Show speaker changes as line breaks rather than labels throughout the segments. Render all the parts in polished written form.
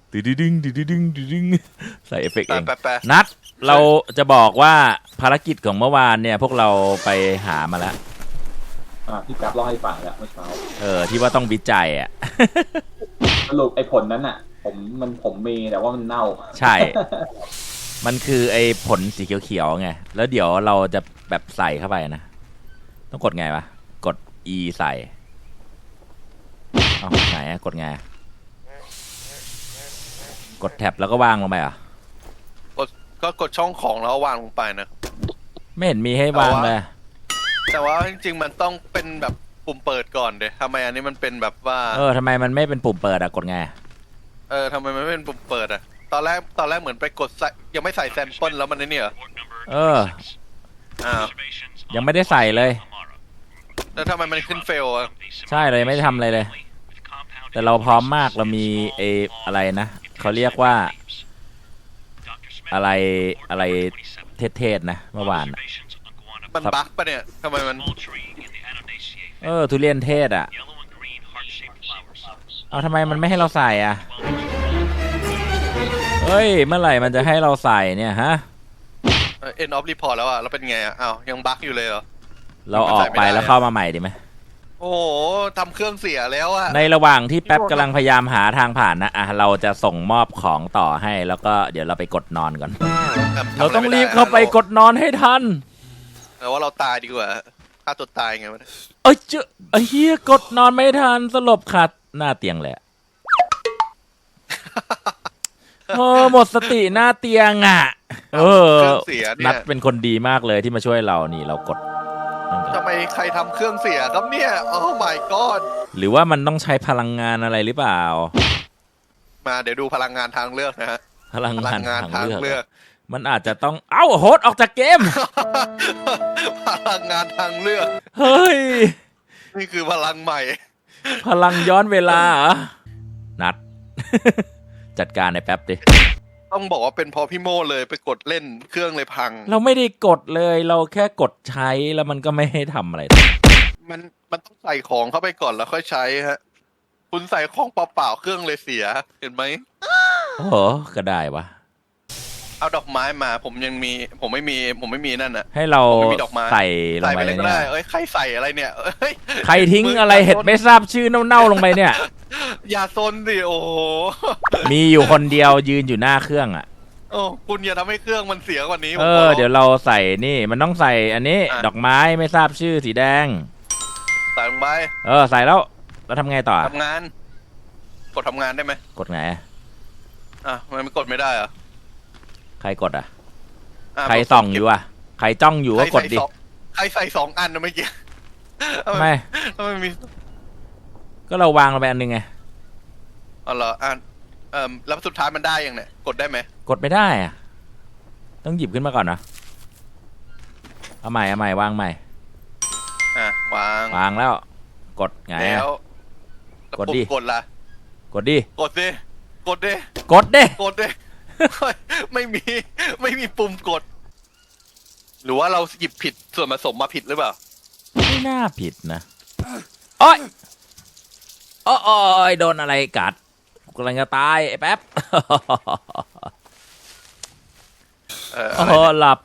ดึงดึงใส่เอฟเฟกต์เอง
แปะ
นัดเราจะบอกว่าภารกิจของเมื่อวานเนี่ยพวกเราไปหามาแล้ว
ที่กราฟเล่าให้ฟังแล้วเมื่อเช้า
ที่ว่าต้องวิจัยอ่ะ
สรุปไอ้ผลนั้นอ่ะผมมีแต่ว่ามันเน่า
ใช่ มันคือไอ้ผลสีเขียวๆไงแล้วเดี๋ยวเราจะแบบใส่เข้าไปนะต้องกดไงวะกด E ใส่เอาไหนกดไงกดแท็บแล้วก็วางลงไปอ่ะ
ก็กดช่องของแล้ววางลงไปนะ
ไม่เห็นมีให้วางเลย
แต่ว่าจริงๆมันต้องเป็นแบบปุ่มเปิดก่อนเดะทำไมอันนี้มันเป็นแบบว่า
ทำไมมันไม่เป็นปุ่มเปิดอ่ะกดไง
ทำไมมันไม่เป็นปุ่มเปิดอ่ะตอนแรกเหมือนไปกดใส่ยังไม่ใส่แซมเปิลแล้วมันนี่เหรอ
ยังไม่ได้ใส่เลย
แล้วทำไมมันขึ้นเฟลอ่ะ
ใช่เลยไม่ได้ทำอะไรเลยแต่เราพร้อมมากเรามีอะไรนะเขาเรียกว่าอะไรเทศนะเมื่อวาน
มันบั๊กปะเนี่ยทำไมมัน
ทุเรียนเทศอ่ะเอาทำไมมันไม่ให้เราใส่อ่ะเฮ้ยเมื่อไหร่มันจะให้เราใส่เนี่ยฮะ
end of report แล้วอ่ะแล้วเป็นไงอ่ะอ้าวยังบั๊กอยู่เลยเหรอ
เราออกไปแล้วเข้ามาใหม่ดีไหม
โอ้โหทำเครื่องเสียแล้วอ่ะ
ในระหว่างที่แป๊บกำลังพยายามหาทางผ่านนะเราจะส่งมอบของต่อให้แล้วก็เดี๋ยวเราไปกดนอนก่อนเราต้องรีบเข้าไปกดนอนให้ทัน
แต่ว่าเราตายดีกว่าฆ่าตัวตายไงวะ
เฮียกดนอนไม่ทันสลบขาดหน้าเตียงเลยหมดสติหน้าเตียงอ่ะนัดเป็นคนดีมากเลยที่มาช่วยเรานี่เรากด
ทำไมใครทำเครื่องเสียครับเนี่ยโอ้ my god
หรือว่ามันต้องใช้พลังงานอะไรหรือเปล่า
มาเดี๋ยวดูพลังงานทางเลือกนะฮะ
พลังงานทางเลือก
มั
นอาจจะต้องโหดออกจากเกม
พลังงานทางเลือก
เฮ้ย
นี่คือพลังใหม่
พลังย้อนเวลานัด จัดการในแป๊บดิ
ต้องบอกว่าเป็นพอพี่โมเลยไปกดเล่นเครื่องเลยพัง
เราไม่ได้กดเลยเราแค่กดใช้แล้วมันก็ไม่ให้ทำอะไร
มันต้องใส่ของเข้าไปก่อนแล้วค่อยใช้ฮะคุณใส่ของเปล่าๆเครื่องเลยเสียเห็นไหม
โอ้โหก็ได้วะ
เอาดอกไม้มาผมไม่มีนั่นน่ะ
ให้เราใส่ลงไป
เลยเนี่ยใครใส่อะไรเนี่ย
ใครทิ้งอะไรเห็ดไม่ทราบชื่อเน่าๆลงไปเนี่ย
อย่าซนดิโอ้
มีอยู่คนเดียวยืนอยู่หน้าเครื่องอ่ะ
โอ้คุณอย่าทำให้เครื่องมันเสียกว่านี้
เดี๋ยวเราใส่นี่มันต้องใส่อันนี้ดอกไม้ไม่ทราบชื่อสีแดง
ใส่ลงไป
ใส่แล้วทำไงต่อ
ทำงานกดทำงานได้ไหม
กดไง
มันไม่กดไม่ได้อะ
ใครกดใครส่องอยู่ใครจ้องอยู่ก็กดดิ
ใครใส่2 อันนะเมื่อกี้
ไม่
มี
ก็เราวางลงไปอันนึงไง
เหรอแล้วสุดท้ายมันได้ยังเนี่ยกดได้ไหม
กดไม่ได้ต้องหยิบขึ้นมาก่อนนะเอาใหม่วางใหม่วางแล้วกดไง
แล้ว
กดดิ
กดละ
กดดิ
กดดิ
กดดิ
ไม่มีปุ่มกดหรือว่าเราหยิบผิดส่วนผสมมาผิดหรือเปล่า
ไม่น่าผิดนะโอ๊ยโดนอะไรกัดกำลังจะตายไอ้แป๊บหลับ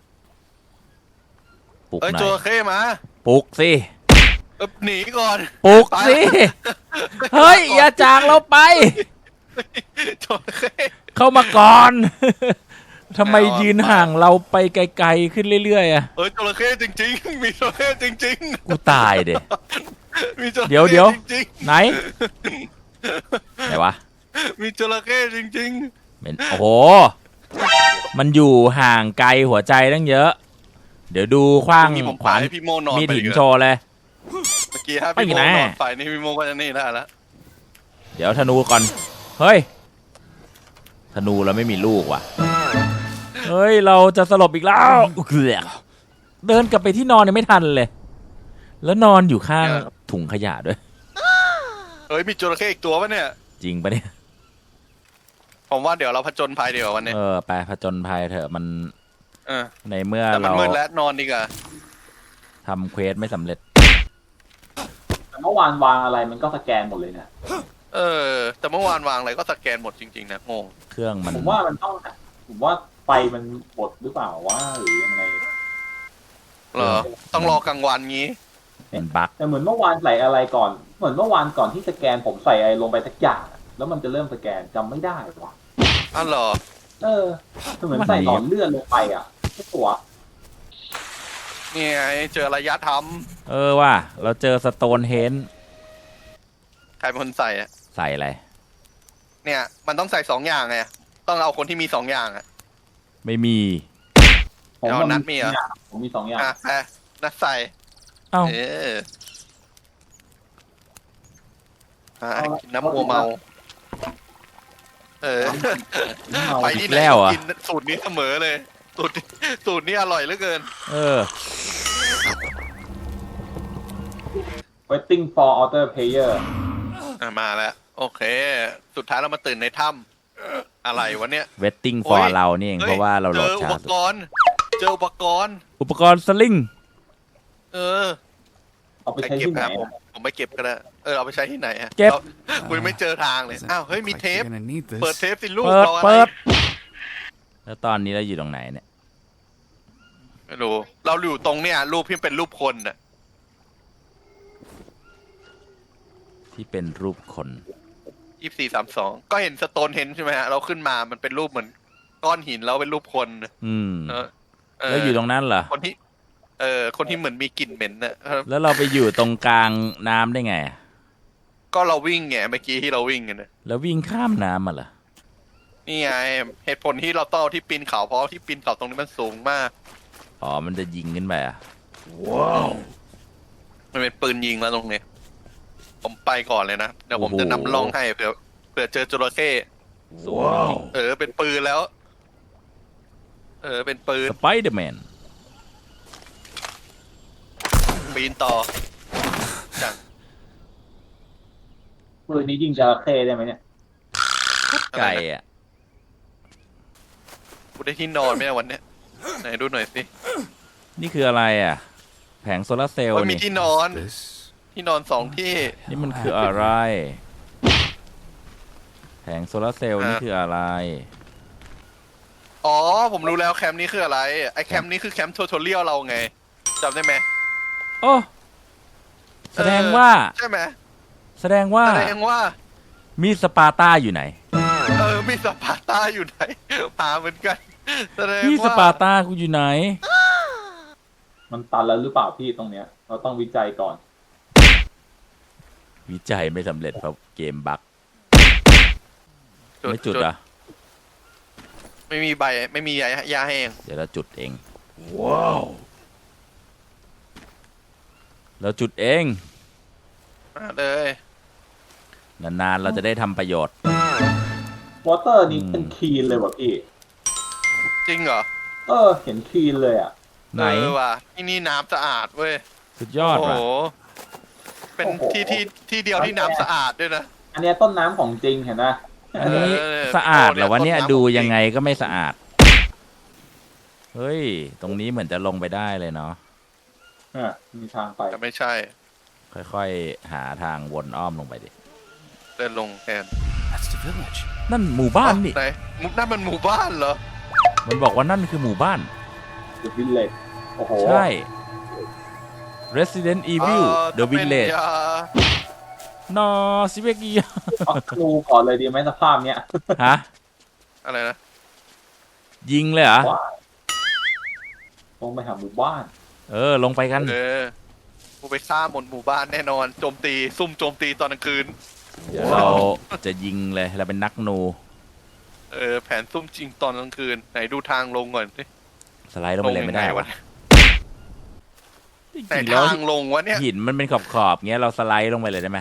ปลุกหน่อยจระเข้มา
ปลุกสิ
หนีก่อน
ปลุกสิเฮ้ยอย่าจากเราไป
จระเข้
เข้ามาก่อนทำไมยืนห่างเราไปไกลๆขึ้นเรื่อยๆ
จระเข้จริงๆมีจระเข้จริง
ๆกูตายเด็เดี๋ยวไหนวะ
มีจระเข้จริง
ๆโอ้โหมันอยู่ห่างไกลหัวใจตั้งเยอะเดี๋ยวดูขว้างขวานมีดหินโชว์เลย
เมื่อกี้พี่โมนอนไปนี่พี่โมก็จะนี่ได้แล้ว
เดี๋ยวธนูก่อนเฮ้ยธนูเราไม่มีลูกว่ะเฮ้ยเราจะสลบอีกแล้วเดินกลับไปที่นอนยังไม่ทันเลยแล้วนอนอยู่ข้างถุงขยะด้วย
มีจระเข้อีกตัวปะเนี่ย
จริงปะเนี่ย
ผมว่าเดี๋ยวเราผจญภัยเดี๋ยววันนี้
ไปผจญภัยเถอะมันในเมื่อ
เรามืดแล้วนอนดีกว่า
ทำเควสไม่สำเร็จ
แต่เมื่อวานวางอะไรมันก็สแกนหมดเลยเนี่ย
แต่เมื่อวานวางอะไรก็สแกนหมดจริงๆนะงง
เครื่องมัน
ผมว่ามันต้องผมว่าไฟมันบดหรือเปล่าว่าหรือยังไง
เหรอต้องรอกลางวันงี้
มันบั๊ก
แต่เหมือนเมื่อวานใส่อะไรก่อน เหมือนเมื่อวานก่อนที่สแกนผมใส่อะไรลงไปสักอย่างอะแล้วมันจะเริ่มสแกนจำไม่ได้ว่ะ
อ้าวเหรอ
เหมือนใส่หลอดเลือดลงไปอ่ะไม่ตัว
นี่ไงเจอระยะท
ว่ะเราเจอสโตนเฮน
ำใครเป็นคนใส่อะ
ใส่อะไร
เนี่ย มันต้องใส่2 อย่างไงต้องเอาคนที่มี2 อย่างอะ
ไม่มี
ผม
เอานัดมีเหรอ
ผมมี2 อย่าง
ไปนัดใส่
เอ้า
เออกินน้ำมัวเมา ไปที่ไหน
แล้วเหรอ
กินสูตรนี้เสมอเลย สูตรนี้อร่อยเหลือเกิน
waiting for other player
มาแล้ว โอเค สุดท้ายเรามาตื่นในถ้ำอะไรวะเนี่ย
waiting
โอ้
for
ย
เรานี่เองเพราะว่าเราโหลด
เจออุ
ช้า
ป
สุด
กรณ์ เจออุปกรณ์
อุปกรณ์สลิง
เออ
เอาไป
ใคร
ใช้
เก็บ
ที่ไหน
ครับผมไม่เก็บก็ได้เอาไปใช้ที่ไหนฮะ
เก็บ
คุณไม่เจอทางเลย อ้าว เฮ้ย มี
Looks
เท
like
ป
you're gonna need this.
เปิดเทปสิลูก
เปิด
รออะไร
เปิด แล้วตอนนี้เราอยู่ตรงไหนเนี่ย
ไม่รู้ เราอยู่ตรงเนี่ยรูปที่เป็นรูปคนน่ะ
ที่เป็นรูปคน
2432 ก็เห็นสโตนเฮนใช่ไหมฮะ เราขึ้นมามันเป็นรูปเหมือนก้อนหินแล้วเป็นรูปคน
อืม
เออ
แล้วอยู่ตรงนั้นเหรอ
คนที่ คนที่เหมือนมีกลิ่นเหม็นน่ะ
แล้วเราไปอยู่ตรงกลางน้ำได้ไง
ก็เราวิ่งไงเมื่อกี้ที่เราวิ่งกันนะ
แล้ววิ่งข้ามน้ำมาเหรอ
นี่ไงเหตุผลที่เราต้องเอาที่ปีนเขาเพราะที่ปีนเขาตรงนี้มันสูงมาก
อ๋อ มันจะยิงขึ้นไปอ่ะ
มันเป็นปืนยิงแล้วตรงนี้ ผมไปก่อนเลยนะเดี๋ยวผมจะนำล่องให้เผื่อเจอจระเข้
สูงจริง
เป็นปืนแล้ว เป็นปืน
สไปเดอร์แมน
ปีนต่อจัง
ปืนนี้ยิงจระเข้ได้ไหมเนี่ย
ไก่อ่ะ
กูได้ที่นอนไหมเนี่ยวันเนี้ยไหนดูหน่อยสิ
นี่คืออะไรอ่ะ แผงโซลาร์เซลล์
โอ้ยมี
นี่
ที่นอน
This.
ที่นอน2 ที่
นี่มันคืออะไร แผงโซลาร์เซลล์นี่คืออะไร
อ๋อ ผมรู้แล้วแคมป์นี้คืออะไร ไอแคมป์นี้คือแคมป์ทูทอเรียลเราไงจำได้ไหม
โอ้ แสดงว่า
ใช่ไหม
แสดงว่า
แสดงว่า
มีดสปาร์ตาอยู่ไหน
มีสปาร์ตาอยู่ไหนหาเหมือนกันแสดง
มีดส
ว่า
ปาร์ตากูอยู่ไหน
มันตันแล้วหรือเปล่าพี่ตรงเนี้ย เราต้องวิจัยก่อน
วิจัยไม่สำเร็จเพราะเกมบั๊ก ไม่จุดอ่ะ
ไม่มีใบไม่มียาแห้ง
เดี๋ยวเราจุดเอง ว้าว เราจุดเอง
มาเลย
นานๆเราจะได้ทำประโยชน์
วอเตอร์นี้เป็นคลีนเลยว่ะพี่
จริงเหรอ
เห็นคลีนเลยอ่ะ
ไหน
ว่ะที่นี่น้ำสะอาดเว้ย
สุดยอด
โอ้โห
ว่ะ
เป็น
โอ้โห
ที่เดียวที่น้ำสะอาดด้วยนะ
อันเนี้ยต้นน้ำของจริงเห็นไหม
อันนี้
เออ
สะอาดเหรอวะเนี่ย
ต้นน้ำ
ดู
ของจริง
ยังไงก็ไม่สะอาด เฮ้ย ตรงนี้เหมือนจะลงไปได้เลยเนาะ
มีทางไป
แต่ไม่ใช่
ค่อยๆ หาทางวนอ้อมลงไปดิ
เดินลงแทน
That's the village.
นั่นหมู่บ้านนี่
ไหนนั่นมันหมู่บ้านเหรอ
มันบอกว่านั่นคือหมู่บ้าน
The Village โอ้โห
ใช่ Resident Evil The
ถ้าเป็น
Village
ยาน
อซิเวกี
เอาดูก่อนเลยดีไหมสภาพเนี้ย
ฮะ
อะไรนะ
ยิงเลยเหรอ
ว่าลงไปหาหมู่บ้าน
ลงไปกัน
กูไปฆ่าหมู่บ้านแน่นอน โจมตี ซุ่มโจมตีตอนกลางคืน
เดี๋ยวเราจะยิงเลย เราเป็นนักนู
แผนซุ่มจริงตอนกลางคืน ไหนดูทางลงก่อนสิ
สไลด์ลงไปเลยไม่ได้
ลงยังง
วะจ
ไหน
ริงๆแล้ว
ทางลงวะเนี่ย
หินมันเป็นขอบๆเงี้ยเราสไลด์ลงไปเลยได้ไหม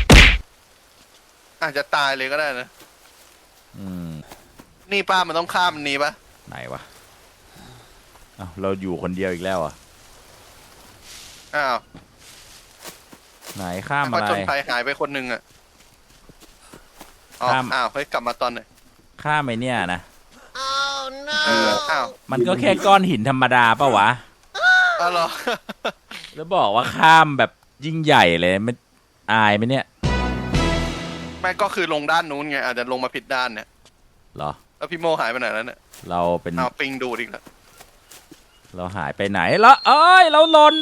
อาจจะตายเลยก็ได้นะ
อืม
นี่ป้ามันต้องข้ามนี้ปะ
ไหนวะอ้าวเราอยู่คนเดียวอีกแล้วอ่ะ
อ้าว
ไหนข้าม
พ
อะ
อ
ไร
จนภัยหายไปคนหนึ่งอ่ะอ๋อ
ข้าม
อ้าวเฮ้ยกลับมาตอนไหน
ข้ามไอเนี่ยนะ
อ้าว
มันก็แค่ก้อนหินธรรมดาปะวะ
อ้าวเหรอ
แล้วบอกว่าข้ามแบบยิ่งใหญ่เลยไม่อายไหมเนี่ย
แม่ก็คือลงด้านนู้นไงอาจจะลงมาผิดด้านเนี่ย
เหรอ
แล้วพี่โมหายไปไหนแล้วเนี่ย
เราเป็น
เอาปิงดูดอีกแล้ว
เราหายไปไหนละเอ้ยเราหล่น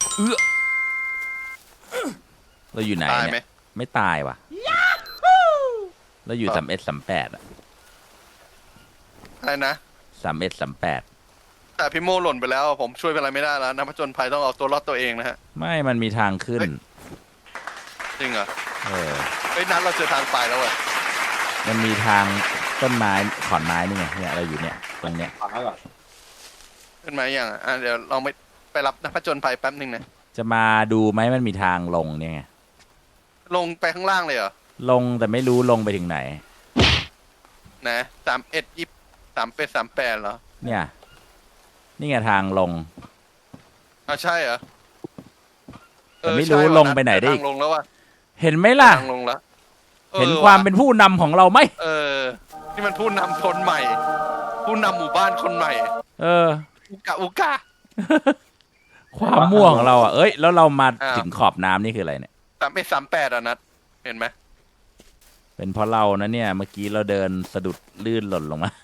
เราอยู่ไหน
ตายไหม
เนี่ยไม่ตายว่ะเราอยู่3138อะ
อะไรนะ
3138
แต่พี่โมหล่นไปแล้วผมช่วยอะไรไม่ได้แล้วนักผจญภัยต้องเอาตัวรอดตัวเองนะฮะ
ไม่มันมีทางขึ้น
จริงเหรอ
เออ
เฮ้ยนัดเราเจอทางไปแล้วอะ
มันมีทางต้นไม้ขอนไม้นี่ไงเนี่ยเราอยู่เนี่ยตรงเนี้ย
ฟังให้ก่อน
ขึ้นมาอย่างเดี๋ยวเราไปรับนักผจญภัยแป๊บนึงนะ
จะมาดูไหมมันมีทางลงเนี่ยไง
ลงไปข้างล่างเลยเหรอ
ลงแต่ไม่รู้ลงไปถึงไหน
นะ31 38เหรอ
เนี่ยนี่ไงทางลง
อ่าใช่เหรอ
แต่ไม่รู้
ใช่ว่ะ
ลงไปไหนได้อีก
ทางลงแล้วว่ะ
เห็นไหมล่ะ
ทางลงแล้ว
เห็นความเป็นผู้นำของเราไหม
นี่มันผู้นำคนใหม่ ผู้นำหมู่บ้านคนใหม่
เออ
อุกา
ความม่วงของเราอ่ะเอ้ยแล้วเรามา
อ้าว
ถึงขอบน้ำนี่คืออะไรเนี่ย
31 38อ่ะนัดเห็นไหม
เป็นเพราะเรานะเนี่ยเมื่อกี้เราเดินสะดุดลื่นหล่นลงมา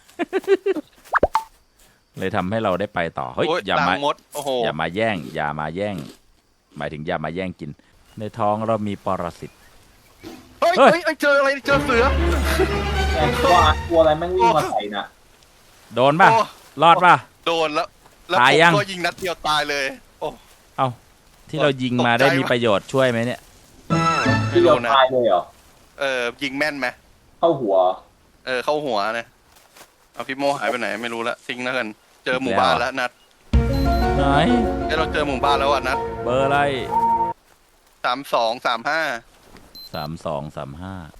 เลยทำให้เราได้ไปต่อเฮ้ย
โอ้ย
อย่า
ลั
มาง
มดโอ้โห
อย่ามาแย่ง อย่ามาแย่ง หมายถึงอย่ามาแย่งกิน ในท้องเรามีปรสิต
เฮ้ย
เฮ้ย
เฮ้ยเจออะไรเจอเสือ
แกตัวอะไรแม่งวิ่งมาใส่น่ะ
โดนป่ะ
โอ้
รอดป่ะ
โดนแล้ว
ตาย
ผม
ยัง
ก็ยิงนัดเดียวตายเลย โอ้
เอาที่เรายิงมาได้มีประโยชน์ช่วยไหมเนี่ย
ที่เราตายเลยเหรอ
ยิงแม่นไหม
เข้าหัว
เข้าหัวนะเอาพี่โมหายไปไหนไม่รู้ละทิ้งแล้วกัน เจอหมู่บ้านแล้วนัด
ไหน
เราเจอหมู่บ้านแล้วอ่ะนัด
เบอร์อะไร
32 35
3235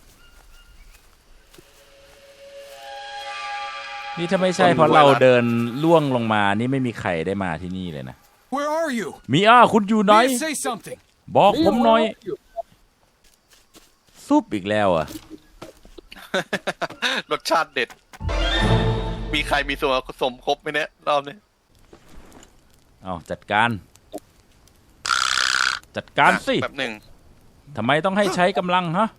นี่ถ้าไม่ใช่เพราะเราเดินล่วงลงมานี่ไม่มีใครได้มาที่นี่เลยนะ
Where are you?
มีคุณอยู่ไหน
Mia, say something.
บอกผมหน่อย ซุปอีกแล้วอ่ะ
รสชาติเด็ด มีใครมีส่วนผสมครบไหมเนี่ยรอบนี้
เอาจัดการ จัดการสิ
แบบหนึ่ง
ทำไมต้องให้ใช้กำลังฮะ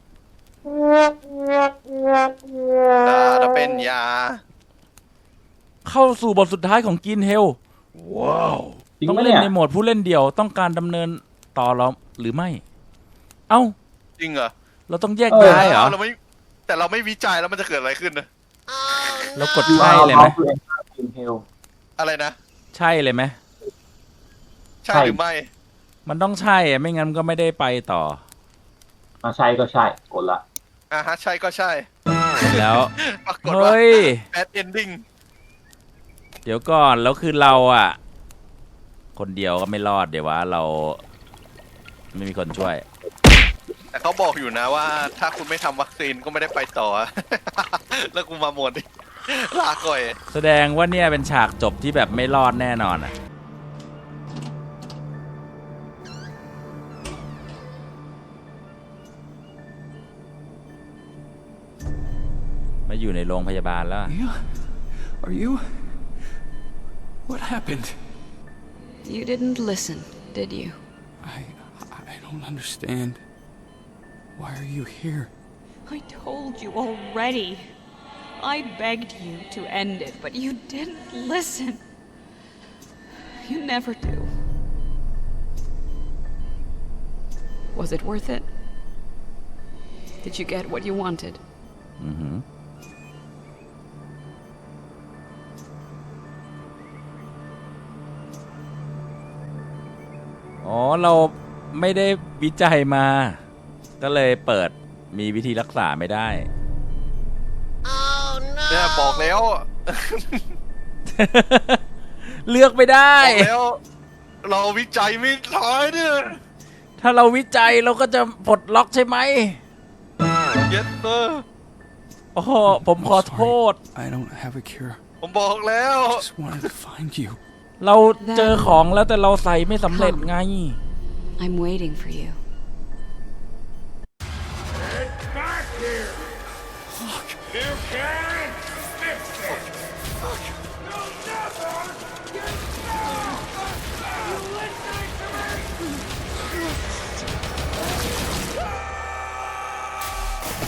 จะเป็นยา
เข้าสู่บทสุดท้ายของกินเฮล ว้าว
จริง
ต้อง
ไหม
เล่น
เนี่ย
ในโหมดผู้เล่นเดี่ยวต้องการดำเนินต่อเราหรือไม่ เอ้า
จริงเหรอ
เราต้องแยกย้ายเหรอ
เราไม่แต่เราไม่วิจัยแล้วมันจะเกิดอะไรขึ้นนะ
เรากดใช่เลยไหม
กินเฮล
อะไรนะ
ใช่เลยไหม
ใช่หรือไม่
มันต้องใช่อะไม่งั้นก็ไม่ได้ไปต่อ
ใช่ก็ใช่กดละ
ฮะใช่ก็ใช่
แล้ว
ปรากฏว่า
เฮ้ย
bad ending
เดี๋ยวก่อนแล้วคือเราอ่ะ คนเดียวก็ไม่รอดเดี๋ยวว่าเราไม่มีคนช่วย
แต่เขาบอกอยู่นะว่า ถ้าคุณไม่ทำวัคซีนก็ไม่ได้ไปต่อ แล้วกูมาหมดดิลาก่อย
แสดงว่าเนี่ยเป็นฉากจบที่แบบไม่รอดแน่นอนอ่ะ มาอยู่ในโรงพยาบาลแล้วอะ
Mia, are you? What happened?
You didn't listen, did you?
I don't understand. Why are you here?
I told you already. I begged you to end it, but you didn't listen. You never do. Was it worth it? Did you get what you wanted?
อือหืออ๋อเราไม่ได้วิจัยมา ก็เลยเปิดมีวิธีรักษาไม่ได้
เนี่ยบอกแล้ว
เลือกไม่ได้
บอกแล้ว เราวิจัยไม่ท้ายเนี่ย
ถ้าเราวิจัยเราก็จะปลดล็อกใช่ไหม
yes sir
โอ้โหผมขอโทษ
I don't have a cure.
ผมบอกแล้ว
I just wanted to find you.
เราเจอของแล้วแต่เราใส่ไม่สำเร็จไง
I'm waiting for you.
Back here! You can't fix it! You'll never get back! You listening to me?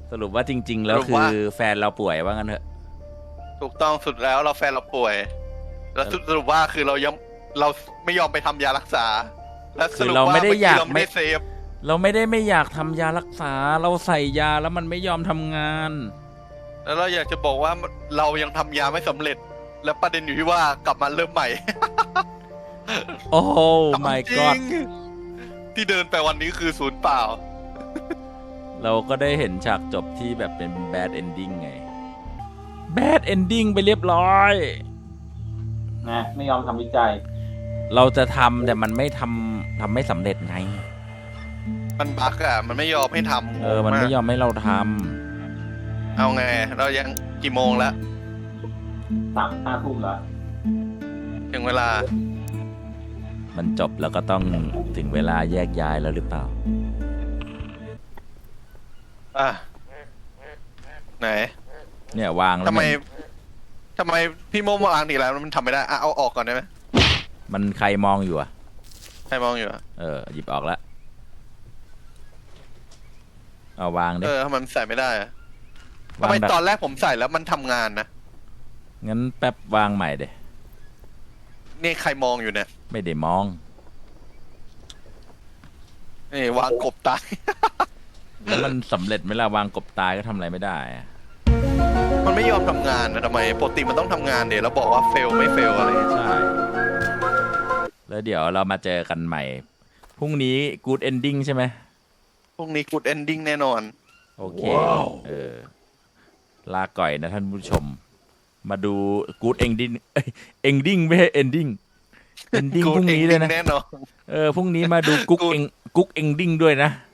สรุปว่าจริง ๆ แล้ว
สรุป
คื
ว่า
อแฟนเราป่วยว่างั้นเถอะ
ถูกต้องสุดแล้วเราแฟนเราป่วย แล้วสรุปว่าคือเราไม่ยอมไปทำยารักษา แล้วสรุป
คือเรา
ว่า
ไม่ได้อยาก
เราไม่ได้เซฟ
เราไม่ได้ไม่อยากทำยารักษา เราใส่ยาแล้วมันไม่ยอมทำงาน
แล้วเราอยากจะบอกว่าเรายังทำยาไม่สำเร็จ แล้วประเด็นอยู่ที่ว่ากลับมาเริ่มใหม่
โอ้โห my
จริ
god
งที่เดินไปวันนี้คือศูนย์เปล่า
เราก็ได้เห็นฉากจบที่แบบเป็น bad ending ไง bad ending ไปเรียบร้อย
นะไม่ยอมทำวิจัย
เราจะทำแต่มันไม่ทำไม่สำเร็จไง
มันบั๊กอ่ะ มันไม่ยอมให้ทำ
มันไม่ยอมให้เราท
เอาไง เรายังกี่โมงแล้ว
5 ทุ่มแล้ว
ถึงเวลา
ำมันจบแล้วก็ต้องถึงเวลาแยกย้ายแล้วหรือเปล่า
อ่ะ ไหน
เนี่ยวางแล้ว
ทำไมพี่โมวางอีกแล้วมันทำไม่ได้อ่ะเอาออกก่อนได้ไหม
มันใครมองอยู่อ่ะ
ใครมองอยู่อ่ะ
หยิบออกแล้วเอาวางดิ
ทำไมมันใส่ไม่ได้อะทำ
วาง
ไม
แบบ
ตอนแรกผมใส่แล้วมันทำงานนะ
งั้นแป๊บวางใหม่เด้
นี่ใครมองอยู่เนี่ย
ไม่ได้มอง
นี่วางกบตาย
แล้วมันสำเร็จไหมล่ะวางกบตายก็ทำอะไรไม่ได้อะ
มันไม่ยอมทำงานนะทำไมปกติมันต้องทำงานเดี๋ยวแล้วบอกว่าเฟลไม่เฟลอะไร
ใช่แล้วเดี๋ยวเรามาเจอกันใหม่พรุ่งนี้ good ending ใช่ไหม
พรุ่งนี้กูดเอนดิ้งแน่นอน
โอเคลาก่อยนะท่านผู้ชม มาดู good ending ending ไม่ใช่ ending ending พรุ่งนี้เลยนะ
แน่นอน
พรุ่งนี้มาดูกุ๊กเองกุ๊ก ending ด้วยนะ